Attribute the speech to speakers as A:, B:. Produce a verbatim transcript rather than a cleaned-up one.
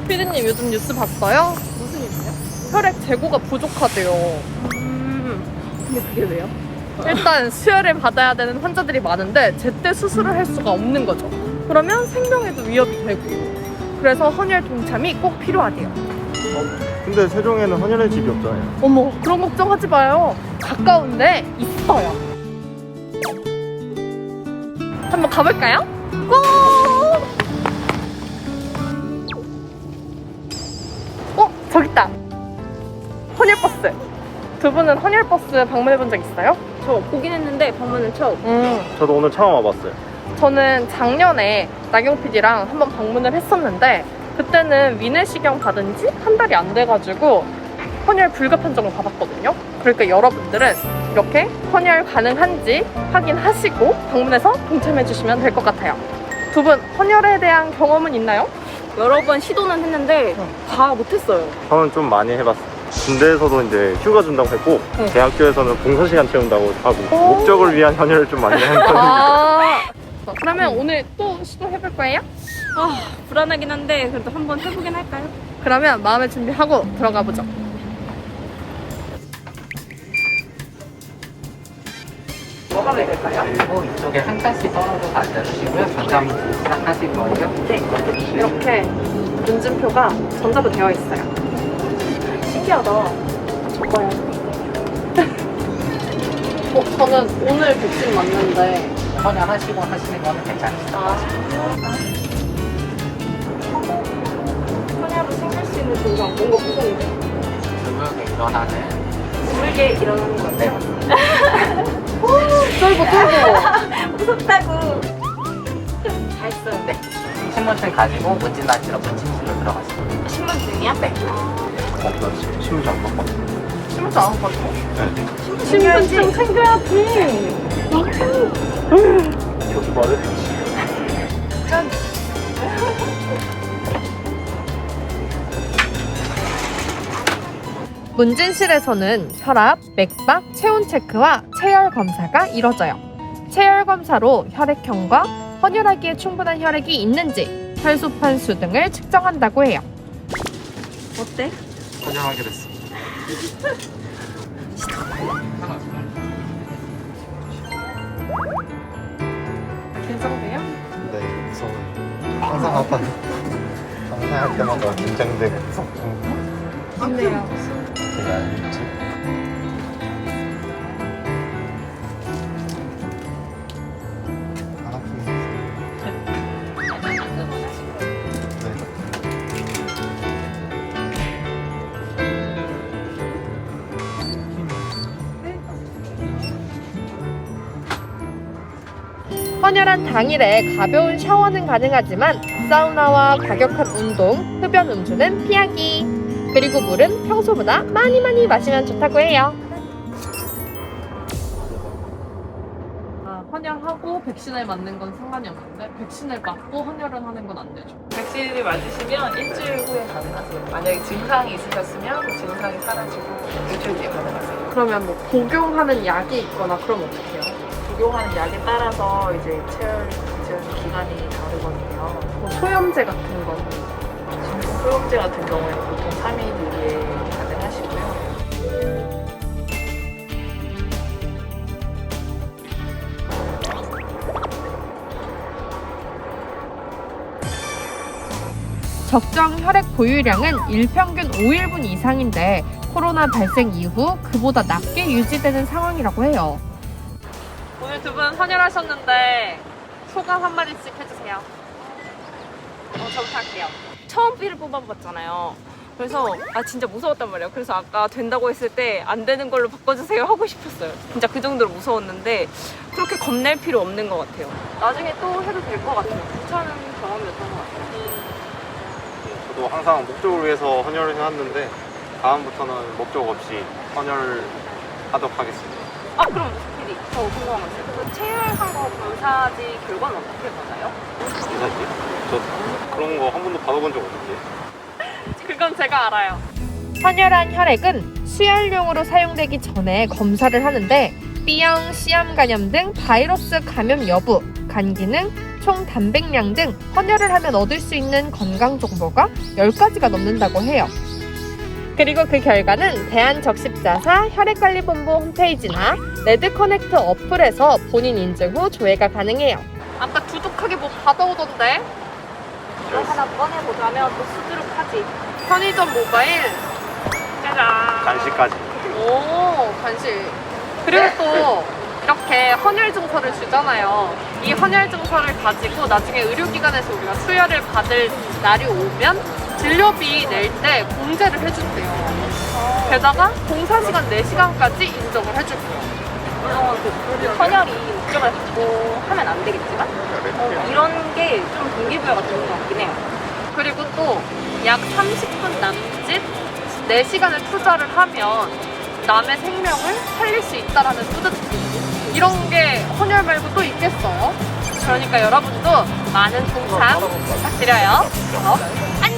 A: 피디님 요즘 뉴스 봤어요?
B: 무슨 일이세요?
A: 혈액 재고가 부족하대요.
B: 음, 근데 그게 왜요?
A: 일단 수혈을 받아야 되는 환자들이 많은데 제때 수술을 할 수가 없는 거죠. 그러면 생명에도 위협이 되고. 그래서 헌혈 동참이 꼭 필요하대요.
C: 근데 세종에는 헌혈의 집이 없잖아요.
A: 어머, 그런 걱정하지 마요. 가까운데 있어요. 한번 가볼까요? 고! 어, 저기 있다. 헌혈버스. 두 분은 헌혈버스 방문해본 적 있어요?
B: 저 보긴 했는데 방문은 처음.
A: 음,
C: 저도 오늘 처음 와봤어요.
A: 저는 작년에 나경 피디랑 한번 방문을 했었는데 그때는 위내시경 받은 지 한 달이 안 돼가지고 헌혈 불가 판정을 받았거든요. 그러니까 여러분들은 이렇게 헌혈 가능한지 확인하시고 방문해서 동참해주시면 될 것 같아요. 두 분 헌혈에 대한 경험은 있나요?
B: 여러 번 시도는 했는데 다 못했어요.
C: 저는 좀 많이 해봤어요. 군대에서도 이제 휴가 준다고 했고
A: 응.
C: 대학교에서는 봉사 시간 채운다고 하고
A: 오.
C: 목적을 위한 헌혈을 좀 많이 하는 편입니다.
A: 아, 그러면 오늘 또 시도해볼 거예요?
B: 아, 불안하긴 한데 그래도 한번 해보긴 할까요?
A: 그러면 마음의 준비하고 들어가 보죠. 뭐 하면 될까요?
D: 그리고 이쪽에 한 칸씩 떨어져서 앉아주시고요. 전담 시작하실 거예요.
A: 네, 이렇게 문진표가 전자로 되어 있어요. 신기하다. 저거요. 어, 저는 오늘 백신 맞는데.
D: 헌혈하시고 하시는 거는 괜찮으시죠?
A: 아,
B: 헌혈로 생길 수 있는 증상 뭔가 무서운데?
D: 드물게 일어나는
B: 모르게 일어나는 거
D: 네.
A: 쫄보 쫄보.
B: 무섭다고. 다 했어요.
D: 네. 신분증 가지고 문진단지로 문진실로 들어가시면
B: 신분증이야?
D: 네.
C: 어, 나 신분증 안 바꿨어.
A: 신분증 안 가지고?
C: 네.
A: 신분증 챙겨야지.
C: 교수발을
A: 짠. 문진실에서는 혈압, 맥박, 체온 체크와 체열 검사가 이뤄져요. 체열 검사로 혈액형과 헌혈하기에 충분한 혈액이 있는지, 혈소판수 등을 측정한다고 해요.
B: 어때?
D: 헌혈하게 됐습니다.
A: 긴장돼요?
C: 네, 무서워요. 항상 아파요. 항상 할 때마다 긴장되고 무섭고
A: 좋네요.
C: 제가 알지. 안 아프게
A: 헌혈한 당일에 가벼운 샤워는 가능하지만 사우나와 과격한 운동, 흡연 음주는 피하기. 그리고 물은 평소보다 많이 많이 마시면 좋다고 해요. 아, 헌혈하고 백신을 맞는 건 상관이 없는데 백신을 맞고 헌혈을 하는 건 안 되죠.
E: 백신을 맞으시면 일주일 후에 가능하세요. 만약에 증상이 있으셨으면 그 증상이 사라지고 일주일 뒤에 가능하세요.
A: 그러면 뭐 복용하는 약이 있거나 그러면 어떡해요?
E: 복용하는 약에 따라서 이제 체열 지원 기간이 다르거든요.
A: 뭐 소염제 같은 거.
E: 소염제 같은 경우에는 보통 삼 일 이내에 가능하시고요.
A: 적정 혈액 보유량은 일평균 오 일분 이상인데 코로나 발생 이후 그보다 낮게 유지되는 상황이라고 해요. 오늘 두 분 헌혈하셨는데 소감 한마디씩 해주세요. 어, 저부터 할게요.
B: 처음 피를 뽑아봤잖아요. 그래서 아 진짜 무서웠단 말이에요. 그래서 아까 된다고 했을 때 안 되는 걸로 바꿔주세요 하고 싶었어요. 진짜 그 정도로 무서웠는데 그렇게 겁낼 필요 없는 것 같아요. 나중에 또 해도 될 것 같아요. 괜찮은 경험이었던 것 같아요.
C: 저도 항상 목적을 위해서 헌혈을 해왔는데 다음부터는 목적 없이 헌혈하도록 하겠습니다.
B: 아 그럼 피디 저 궁금한 거 있어요. 그 체열한 거 검사지 결과는 어떻게 받아요?
C: 이사지? 저 그런 거 한 번도 받아본 적 없는데.
A: 그건 제가 알아요. 헌혈한 혈액은 수혈용으로 사용되기 전에 검사를 하는데 B형, C암 감염 등 바이러스 감염 여부, 간 기능, 총 단백량 등 헌혈을 하면 얻을 수 있는 건강 정보가 열 가지가 넘는다고 해요. 그리고 그 결과는 대한적십자사 혈액관리본부 홈페이지나 레드커넥트 어플에서 본인 인증 후 조회가 가능해요. 아까 두둑하게 뭐 받아오던데?
B: 이거 하나 꺼내보자면 또 수두룩하지.
A: 편의점 모바일. 짜잔.
C: 간식까지.
A: 오, 간식. 그리고 또 이렇게 헌혈 증서를 주잖아요. 이 헌혈 증서를 가지고 나중에 의료기관에서 우리가 수혈을 받을 날이 오면 진료비 낼 때 공제를 해준대요. 게다가 봉사 시간 네 시간까지 인정을 해줄게요.
B: 물론 그 헌혈이 목적을 갖고 하면 안 되겠지만 어, 이런 게 좀 동기부여가 되는 것 같긴 해요.
A: 그리고 또 약 삼십 분 남짓 네 시간을 투자를 하면 남의 생명을 살릴 수 있다라는 뿌듯함. 이런 게 헌혈 말고 또 있겠어요? 그러니까 여러분도 많은 동참 부탁드려요. 그럼 안녕!